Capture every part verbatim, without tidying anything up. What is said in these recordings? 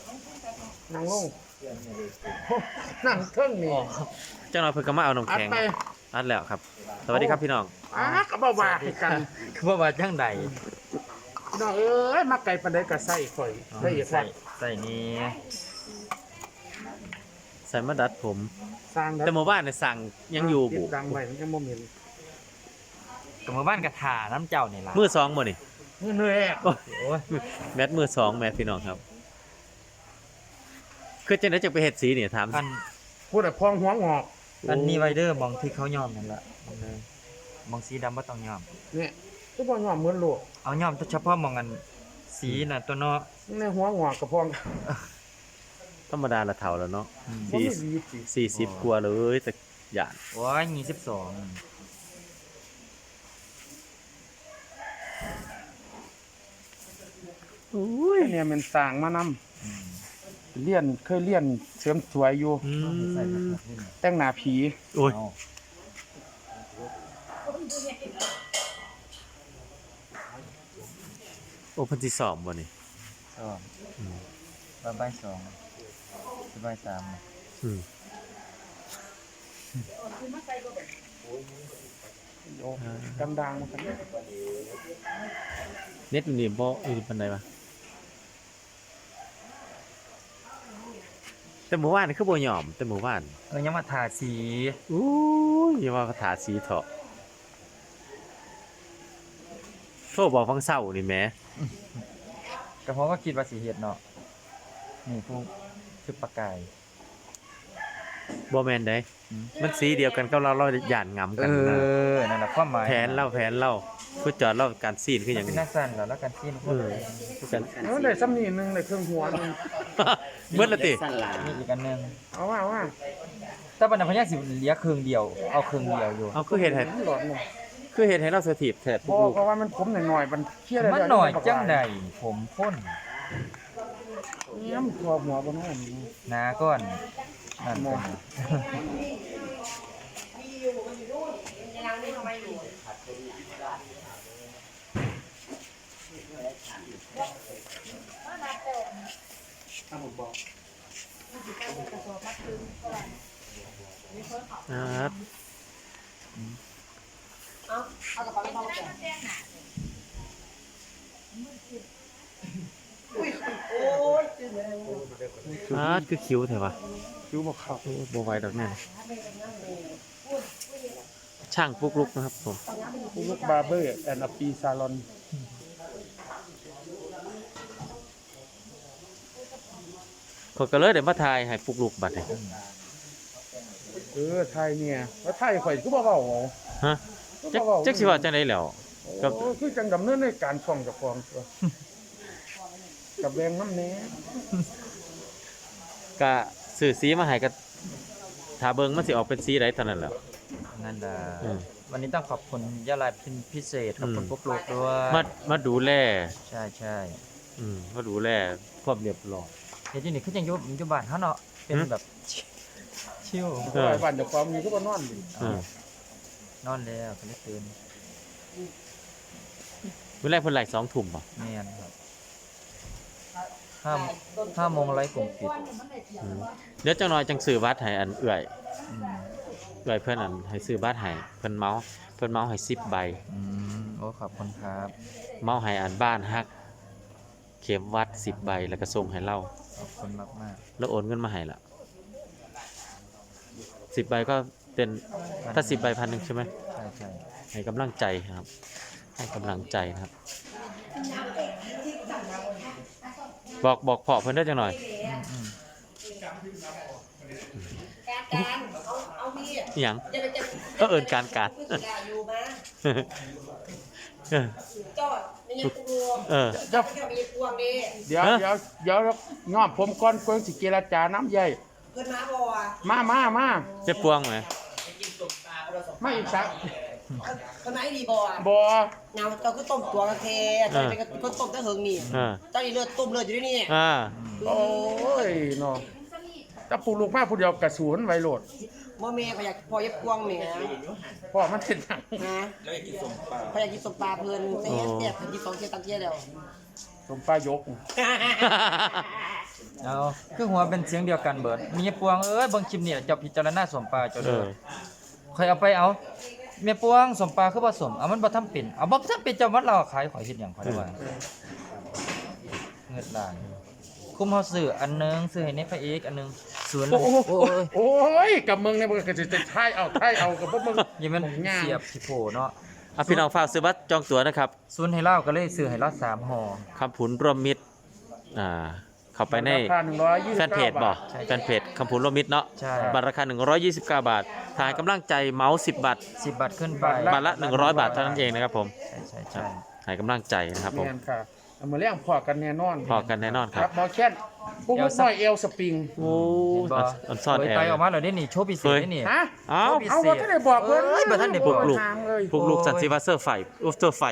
นั่งลงนั่งเครื่องนี่เจ้าน้อยเพิ่งก็มาเอาน้ำแข็งอัดแล้วครับสวัสดีครับพี่น้องอ่ะก็บ่ว่ากันคือบ่ว่าจังใดน้องเอ้ยมาไกลปานใดก็ใส่ข่อยได้อีกว่าใส่นี่ใส่มาดัดผมสร้างแต่หมู่บ้านเนี่ยสั่งยังอยู่บุดังไว้มันยังบ่มีกับหมู่บ้านกระถาน้ำเจ้านี่ล่ะมือสองบ่นี่มือเหนื่อยโอ้ยแมทมือสองแมทพี่น้องครับคือจังได๋จะไปเฮ็ดสีนี่ถามอันพูดแต่พองหัวงอกอันนี้ไวเดอร์มองที่เขายอมนั่นล่ะมองเลยมองสีดำบ่ต้องยอมเนี่ยก็บ่ยอมเหมือนโลกเอายอมเฉพาะมองอันสีน่ะตัวเนาะในหัวงอกกับพองธรรมดาละเฒ่าแล้วเนาะสี่สิบกว่าเลยแต่หยาดโอ้ยยี่สิบสองโอ้ยเนี่ยมันสร้างมานำเรียนเคยเรียนเสริมสวยอยู่แต่งหน้าผีโอ้ยโอ้เพิ่นสิสอบบ่นี่สอบอืมบ่ายสองบ่ายสามอืมดังๆมากันเน็ตนี่บ่อีปานใดวะแต่หมู่บ้านนี่คือบ่ยอมแต่หมู่บ้านเออยังมาทาสีอู้ยอย่าว่าทาสีเถาะโทรบอกฟังเช้านี่แหมก็เพราะว่าคิดว่าสิเฮ็ดเนาะนี่พวกคือปากกายบ่แม่นเด้มันสีเดียวกันกับเราเราย่านงำกันนะเออนั่นน่ะความหมายแผนเราแผนเราคือจอดเราการซีนคือหยังเป็นนักสั่นแล้วแล้วการซีนเออคือกันเออได้ซ้ำนี่นึงได้เครื่องหัวนึงเบิดละตินี่อีกอันนึงเอาว่าว่าแต่บัดนั้นพญาสิเหลือครึ่งเดียวเอาครึ่งเดียวอยู่เอาคือเฮ็ดให้คือเฮ็ดให้เราสถิตแท้บ่เพราะว่ามันผมหน่อยๆมันเครียดได้มันหน่อยจังได๋ผมพ่นเนี่ยมันตัวหัวบ่น้อยหน้าก่อนนั่นบ่ครับเอาเอากระเป๋าไปเอาแก้อุ้ยโอ้ยอ่าคือคิ้วแท้วะคิ้วบ่เข้าบ่ไหวดอกแน่ช่างปุ๊กลุกนะครับผมปุ๊กลุกบาร์เบอร์แอนด์อปีซาลอนเขาก็เลยได้มาถ่ายให้ปุ๊กลุกบัดนี้เออไทยเนี่ยแล้วไทยข่อยก็บ่เว้าฮะจักจักสิว่าจังได๋แล้วก็คือจังดำเนินในการช่องเจ้าของตัวกับแบงน้ำแหน่ก็ซื้อสีมาให้ก็ถ้าเบิ่งมันสิออกเป็นสีใดเท่านั้นแหละนั่นล่ะวันนี้ต้องขอบคุณยะลาพิเศษขอบคุณปุ๊กลุกด้วยมามาดูแลใช่ๆอืมมาดูแลความเรียบร้อยเดี๋ยวนี้คือจังอยู่อยู่บ้านเฮาเนาะเป็นแบบชิลเออบ้านเจ้าของมีก็บ่นอนดิเออนอนแล้วก็เลยตื่นมื้อแรกเพิ่นไลฟ์สองทุ่มบ่แม่นครับห้า ห้าโมงไลฟ์กลุ่มปิดเดี๋ยวจังน้อยจังซื้อบัตรให้อันเอื้อยอืมเอื้อยเพิ่นอันให้ซื้อบัตรให้เพิ่นเมาเพิ่นเมาให้สิบใบอืมโอ้ขอบคุณครับเมาให้อันบ้านฮักเข็มวัดสิบใบแล้วก็ส่งให้เราขอบคุณมากๆแล้วโอนเงินมาให้ล่ะสิบใบก็เป็นถ้าสิบใบ พันหนึ่ง ใช่ไหมใช่ใช่ให้กำลังใจครับให้กำลังใจนะครับบอกบอกพ่อเพิ่นได้จังหน่อยการการเอาเอามีหยังก็เอิ้นการการจอดไม่ยังกลัวเออเจ้าไม่ยังกลัวนี่เดี๋ยวเดี๋ยวเดี๋ยวง้อผมก่อนเพิ่นสิเจรจาน้ำใหญ่เพิ่นมาบ่อ่ะมามามาจะปวงมั้ยไม่อีกสักคนไหนดีบ่อ่ะบ่เงาเจ้าคือต้มตัวกะเทเจ้าเป็นคนต้มตะเหิงนี่เจ้านี่เลือดต้มเลือดอยู่ด้วยนี่อ่าโอ้ยเนาะถ้าปลูกลูกมาผู้เดียวกระสูนไว้โลดบ่แม่ก็อยากพอยับกวางแม่พ่อมันเฮ็ดหยังฮะแล้วอยากกินส้มปลาพออยากกินส้มปลาเพิ่นแต่แซ่บกินสองเที่ยตังเที่ยแล้วสมปลายกเอาคือหัวเป็นเสียงเดียวกันเบิดมีปวงเอ้ยเบิ่งคลิปนี่เจ้าพิจารณาสมปลาเจ้าเอเด้ออข่อยเอาไปเอาเมียปวงสมปลาคือบ่สมเอามันบ่ทำเป็นเอาบ่ทำเป็นเจ้าวัดเราขายข่อยเฮ็ดหยังข่อยได้ว่าเงิดล้านคุมเฮาซื้ออันหนึงซื้อให้ในพระเอกอันหนึงศูนย์โอ้โหโอ้ยโอ้ยกับมึงเนี่ยมึงก็จะจะท้ายเอาท้ายเอากับพวกมึงอย่ามันงามเสียบสิโผเนาะอ่ะพี่น้องฝากซื้อบัตรจองตั๋วนะครับศูนย์ให้เล่าก็เลยซื้อให้เราสามห่อคำผุนรวมมิตรอ่าเข้าไปในราคาหนึ่งร้อยยี่สิบแฟนเพจบ่บาทแฟนเพจคำผุนรวมมิตรเนาะใช่บัตรราคาหนึ่งร้อยยี่สิบเก้าบาทถ่ายกำลังใจเมาส์สิบบาทสิบบาทขึ้นไปบาทละหนึ่งร้อยบาทเท่านั้นเองนะครับผมใช่ใช่ใช่ถ่ายกำลังใจนะครับผมแม่นค่ะเอามาเลี้ยงพอกันแน่นอนพอกันแน่นอนคครัรับบหมอแค้นพวกลูกน้อยเอลสปริงโอ้เห็นบ่อันซ่อนเผยแอไตร์ออกมาแล้วนี่นี่โชว์พิเศษนี่นี่ฮะเอ้าพิเศษเอาว่าท่านได้บอกเพิ่นเอ้ยบ่ทันได้พวกลูกทางเลยพวกลูกสันติวัตเซอร์ไฟอุฟเตอร์ไฟ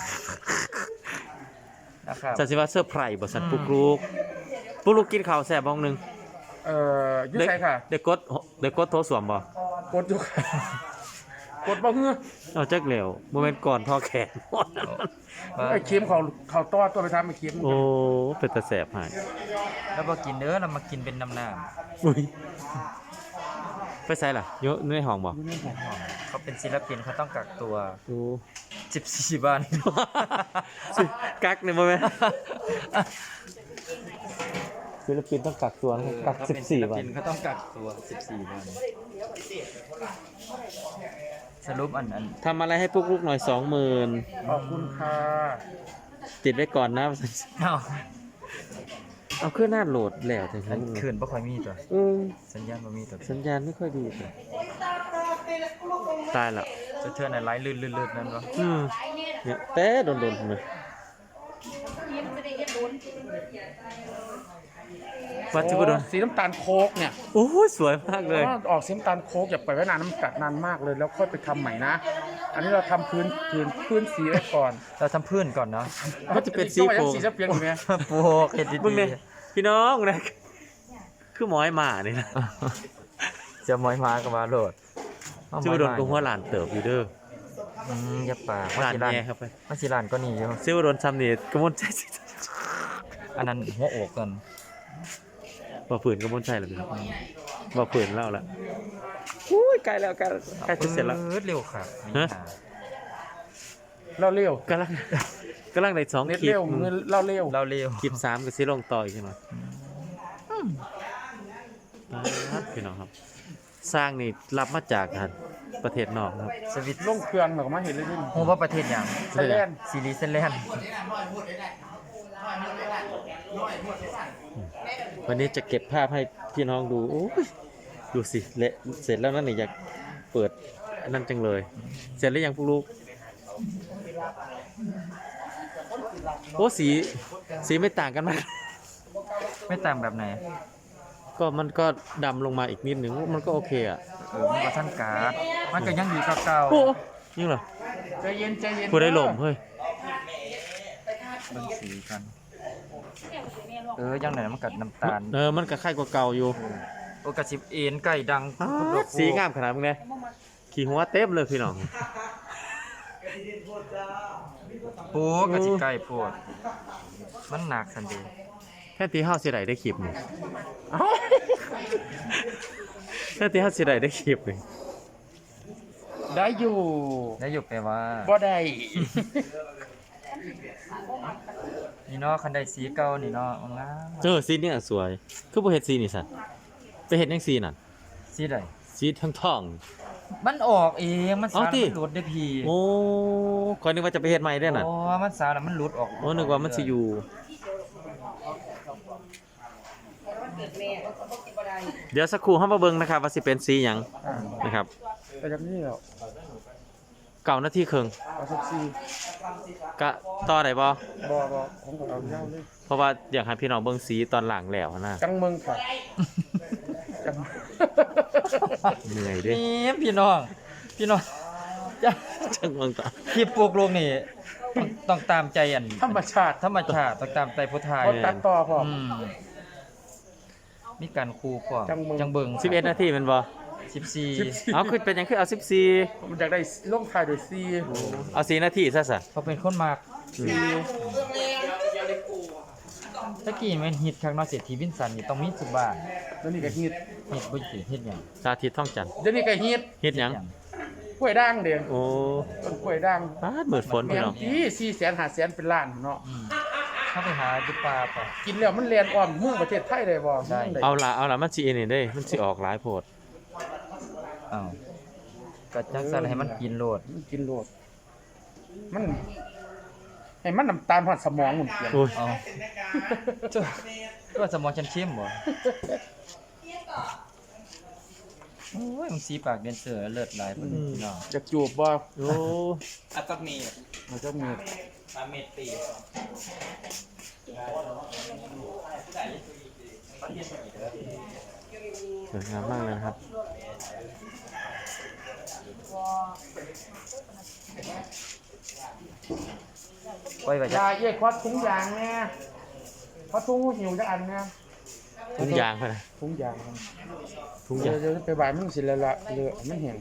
นะครับสันติวัตเซอร์ไพรบ่สันปุกลูกปุกลูกกินข้าวแซ่บบ้องหนึงเอ่ออยุ่ใส่ค่ะได้กดได้กดโทรสวมบ่กดอยู่ค่ะ กดบ่เฮือเอาจักเหลวบ่แม่นก่อนทอแขนไอ้เค็มเขาเขาต้อตัวไปทำไอ้เค็มโอ้เป็นตาแสบหายแล้วบ่กินเด้อเรามากินเป็นน้ำน้อุ้ยไปใส่ล่ะอยู่ในห้องบ่ำเขาเป็นศิลปินเขาต้องกักตัวโอ้สิบสี่วันสิกักนี่บ่แม่นศิลปินต้องกักตัวนะกักเขาสิบเป็นศิสี่ลวัปินนเขาต้องกักตัวสิบสี่วันสรุปอันอันทำอะไรให้ปุกลูกหน่อยสองหมื่นขอบคุณค่ะติดไว้ก่อนนะเอ้าเอาเครื่องหน้าโหลดแล้วถึงอันคืนบ่ค่อยมีตัวอืมสัญญาณบ่มีตัวสัญญาณไม่ค่อยดีเลยตายแล้วจะเทื่อไหนไลฟ์ลื่นๆๆนั่นวะอืมเนี่ยแต่โดนๆเลยวัดจุบดนสีน้ำตาลโคกเนี่ยโอ้ยสวยมากเลยว่าออกสีน้ำตาลโคกอย่าปล่อยไว้นานน้ำกัดนานมากเลยแล้วค่อยไปทำใหม่นะ อันนี้เราทำพื้นพื้นพื้นสีไว้ก่อนเราทำพื้นก่อนเนาะมันจะเป็นสีต้องไปโฟยังมสีจะเปลี่ยนอยู่ไหมโปกเฮ็ดดีมึงเนี่ยพี่น้องนะคือหมอยหมานี่นะๆจะมอยมาก็มาโหลดเอาจุบดนมาก็หัวหลานเติบอยู่เด้ออืมอย่าปากหลานสิร้านแย่ครับไปมันสิร้านก็นี่อยู่ซิวดนซ้ำนี่กระมวลใจอันนั้นหัวอกกันบ่ฝืนกระมวลใจแล้วพี่น้องบ่ฝืนเล่าละอุ้ยใกล้แล้วใกล้แล้วใกล้จะเสร็จแล้วปื๊ดเร็วครับมีฮะหาเราเร็วกำลังกำลังได้สองเน็ตคลิปเร็วเงินเราเร็วเราเร็วคลิปสามก็สิลงต่ออีกใช่ไหมครับพี่น้องครับ สร้างนี่รับมาจากทางประเทศนอกครับสวิตลงเครื่องเราก็มาเห็นเลยดิฮู้ว่าประเทศหยังไทยแลนด์ซีรีส์เซนแลนด์วันนี้จะเก็บภาพให้พี่น้องดูโอ้ยดูสิเละเสร็จแล้วนั่นนี่อยากเปิดอันนั่นจังเลย เสร็จแล้วยังพวกลูกโอ้สีสีไม่ต่างกันมากไม่ต่างแบบไหนก็มันก็ดำลงมาอีกนิดหนึ่งมันก็โอเคอ่ะเออมันก็ท่านการ์ดมันก็ยังดีเก่าโอ้ยิ่งเหรอใจเย็นใจเย็นผู้ได้หลมเฮ้ยๆเบิ่งสีกัน เออยังไหนมันกัดน้ำตาลเออมันก็คล้ายกว่าเก่าอยู่โอกระสิบเอ็นไก่ดังสีงามขนาดมึงเนี่ยขี่หัวเต็มเลยพี่น้องปูกระสิไก่ปวดมันหนักสันเดีแค่ตีห้าสิได้ได้คลิปนี่แค่ตีห้าสิได้ได้คลิปนี่ได้อยู่แล้วอยู่ไปว่าบ่ได้นี่เนาะคันใดสีเก่านี่เนาะมันงามเออสีเนี่ยสวยคือบ่เฮ็ดสีนี่สั่นไปเฮ็ดจังสีนั่นสีใดสีทองทองมันออกเองมันสาเอารติมันหลุดได้พี่โอ้คอยนึกว่าจะไปเฮ็ดใหม่ได้น่ะโอ้มันสารแล้วมันหลุดออกโอ้นึกว่ามันสิอยู่ เดี๋ยวสักครู่เฮามาเบิ่งนะครับว่าสิเป็นสีหยังนะครับแต่จากนี้แล้วเก้านาทีครึ่งเอาสักซีกะต่อได้บ่บอบอของเราเย้าเลยเพราะว่าอยากให้พี่น้องเบิ่งสีตอนหลังแล้วนะจังเมืองค่ะจังเหนื่อยเด้นี่พี่น้อง พี่น้องจะจังเบิ่งต่อคลิปปลูกลงนี่ต้องต้องตามใจอันธรรมชาติธรรมชาติต้องตามใจผู้ไทยคนตัดต่อพร้อมอืมมีการครูพร้อมจังเบิ่งจังเบิ่งสิบเอ็ดนาทีแม่นบ่สิบสี่เอาคือเป็นหยังคือเอาสิบสี่มันอยากได้ลงท้ายด้วยซีเอาสี่นาทีซะซะเขาเป็นคนมากซีตะกี้มันฮิตข้างนอกเศรษฐีวินสันนี่ต้องมีสุบ้านเดี๋ยวนี้ก็ฮิตฮิตบ่สิเฮ็ดหยังสาธิตท่องจันทร์เดี๋ยวนี้ก็ฮิตเฮ็ดหยังกล้วยด่างเด้อโอ้ต้นกล้วยด่างปาดมืดฝนแม่พี่นน้องที่สี่แสนห้าแสนเป็นล้านเนาะอืมเข้าไปหาอยู่ป่าป่ะกินแล้วมันเรียนอ้อมเมืองประเทศไทยได้บ่ได้มืงเอาล่ะเอาล่ะมันสิอันนี้เด้มันสิออกหลายโพดอ้าวก็จังซั่นให้มันกินโลดมันกินโลดมันให้มันน้ำตาลผ่านสมองมันเปลี่ยนโอ้ยเอาจ้ะตัวสมองฉันเข้มบ่โอ้ยมันสีปากเดนเซอร์เลิศหลายเพิ่นพี่น้องอยากจูบบ่โอ้อัตมีมันจะมีอาเมตีสวยงามมากเลยนะครับปล่อยไว้ยาจ้ะเอ้ยควัดถุงยางแน่ควัดถุงหิวจักอันแน่ทุกอย่างไปนะถุงยางทุกอเดี๋ยย่าว งเดี๋ยวไปบ่ายมันสิละละเลอะมันแห้ง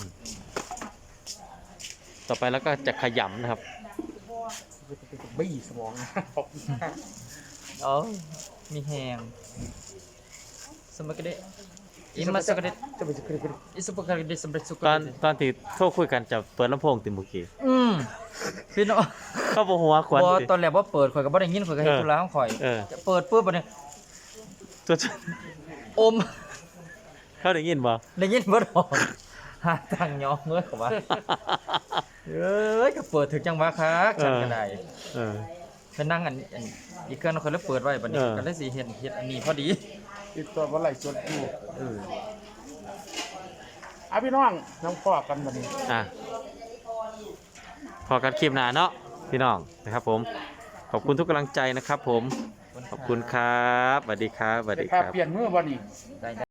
ต่อไปแล้วก็จะขยำนะครับบี้สมองนะเอ้ามีแฮงสมักเดะอิมัสกเดะจะไปจะขึ้นขึ้นอิสุปกเดะสำเร็จสุกตอนตอนที่โทรคุยกันจะเปิดลำโพงติเมุกี้อืมพี่น้องเข้าบ่หัวควันบ่ดิตอนแรกบ่เปิดข่อยก็บ่ได้ยินข่อยก็เฮ็ดเออธุระของข่อยเออจะเปิดปุ๊บบัดนี้ตัวอมเขาได้ยินบ่ได้ยินบ่ดอกหาทางยองเอ้ยเขาว่าเอ้ยก็เปิดถึงจังหวะคักฉันก็ได้เออไปนั่งอันอันอีกเครื่องคนแล้วเปิดไว้บัดนี้เออก็เลยสิเฮ็ดเฮ็ดอันนี้พอดีติดตัวว่าไหลสดอยู่เอออ่ะพี่น้องน้องพ่อกันบัดนี้อ่ะพอกันคลิปหน้าเนาะพี่น้องนะครับผม ขอบคุณทุกกำลังใจนะครับผม ขอบคุณครับสวัสดีครับสวัสจะดีพาครับเปลี่ยนมือบ่นี่ได้